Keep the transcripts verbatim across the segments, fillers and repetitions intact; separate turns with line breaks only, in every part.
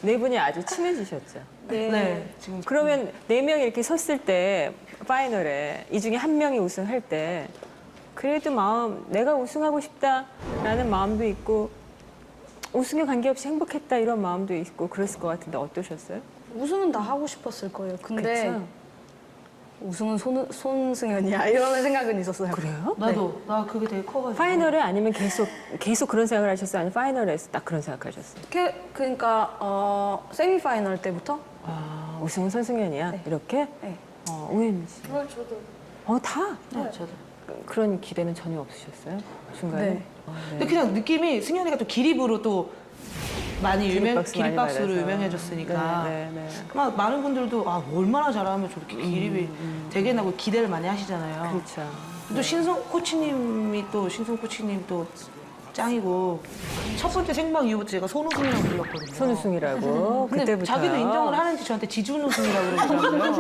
네 분이 아주 친해지셨죠.
네.
네. 지금
그러면 네 명이 이렇게 섰을 때 파이널에 이 중에 한 명이 우승할 때 그래도 마음 내가 우승하고 싶다라는 마음도 있고 우승에 관계없이 행복했다 이런 마음도 있고 그랬을 것 같은데 어떠셨어요?
우승은 다 하고 싶었을 거예요. 근데
그쵸?
우승은 손, 손승연이야 이런 생각은 있었어요.
그래요?
나도 나 그게 되게 커가지고.
파이널에 아니면 계속 계속 그런 생각을 하셨어요? 아니면 파이널에서 딱 그런 생각하셨어요?
그, 그러니까 어, 세미파이널 때부터
아 우승은 손승연이야
네.
이렇게?
네.
어, 우혜민 씨.
그걸 저도.
어 다?
네, 저도.
그- 그런 기대는 전혀 없으셨어요? 중간에?
네.
어, 네.
근데 그냥 느낌이 승현이가 또 기립으로 또 많이 유명,
기립박수 많이
기립박수로
받아서.
유명해졌으니까.
네, 네, 네.
막 많은 분들도 아 얼마나 잘하면 저렇게 기립이 되게 나고 기대를 많이 하시잖아요.
그렇죠.
또 신성 코치님이 또 신성 코치님 또 짱이고 첫 번째 생방 이후부터 제가 손우승이라고 불렀거든요.
손우승이라고
근데
그때부터
자기도 인정을 하는지 저한테 지준우승이라고 그러더라고요.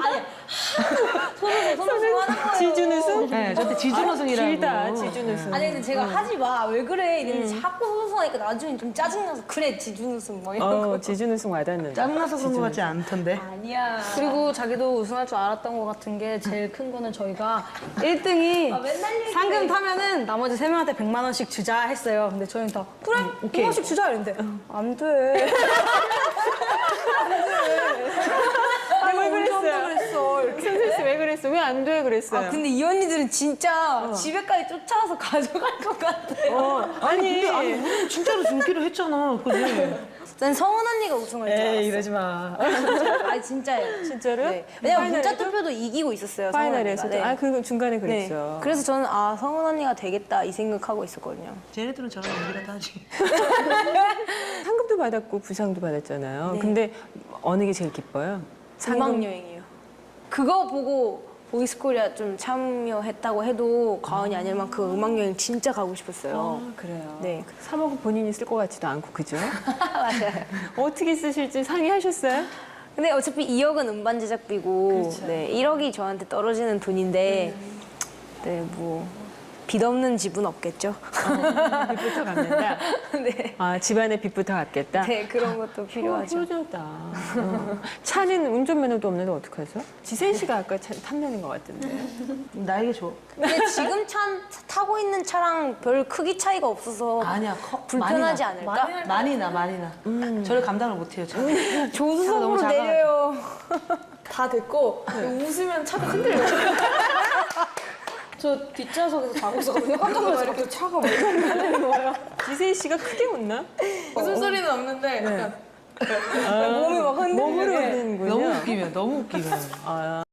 손으로 손으로 하는 거예요.
지준우승?
네, 저한테 지준우승이라고.
길다 지준우승.
아니 근데 제가 하지 마. 왜 그래? 이랬는데
음.
자꾸 손수하니까 나중에 좀 짜증나서 그래 지준우승 뭐 이런 거.
어 지준우승 와닿는데.
짱나서 그런 것 같지 않던데.
아니야.
그리고 자기도 우승할 줄 알았던 것 같은 게 제일 큰 거는 저희가 일 등이
아, 맨날 얘기해.
상금 타면은 나머지 세 명한테 백만 원씩 주자 했어요. 근데 저희는 다 그래
오케이.
백만 원씩 주자 이랬는데 안 돼.
아, 왜 그랬어요?
그랬어.
선생 씨왜 그랬어? 왜 안 돼 그랬어요?
아 근데 이 언니들은 진짜 집에까지 쫓아와서 가져갈 것 같아요.
어, 아니.
근데 아니 우리는 진짜로 준기로 했잖아. 그지?
난 성은 언니가 우승할 줄 알았어.
에이 이러지 마.
아니 진짜예요.
진짜로?
네. 왜냐면 문자
파이널에도?
투표도 이기고 있었어요. 성은
파이널에서도.
언니가. 네.
아 그거 중간에
네.
그랬죠.
그래서 저는 아 성은 언니가 되겠다 이 생각하고 있었거든요.
쟤네들은 저랑 연기가 다지.
상금도 받았고 부상도 받았잖아요.
네.
근데 어느 게 제일 기뻐요?
음악 여행이요. 그거 보고 보이스코리아 좀 참여했다고 해도 과언이 아닐 만큼 음악 여행 진짜 가고 싶었어요.
아, 그래요.
네.
삼억은 본인이 쓸 것 같지도 않고 그죠?
맞아요.
어떻게 쓰실지 상의하셨어요?
근데 어차피 이억은 음반 제작비고
그렇죠.
네, 일억이 저한테 떨어지는 돈인데 네, 뭐 빚 없는 집은 없겠죠.
빚부터 갚는다.
네.
아 집안에 빚부터 갚겠다.
네, 그런 것도 필요하죠.
효자다. 어. 차는 운전면허도 없는데 어떡하죠? 지세 씨가 아까 차 탐내는 것 같은데.
나에게 줘.
근데 지금 차 타고 있는 차랑 별 크기 차이가 없어서
아니야. 커,
불편하지
많이 나.
않을까?
많이 나, 많이 나. 저를 감당을 못해요. 저.
조수석으로
너무 작아가지고.
내려요.
다 됐고 웃으면 차가 흔들려요. 저 뒷좌석에서 자고 있었거든요. 깜짝 놀라서 이렇게 차가 막 흔들리는 거예요.
지세 씨가 크게 웃나?
웃음소리는 없는데 약간
아,
몸이 막 흔들리는
몸으로
게.
흔드는군요.
너무 웃기면, 너무 웃기면.
아.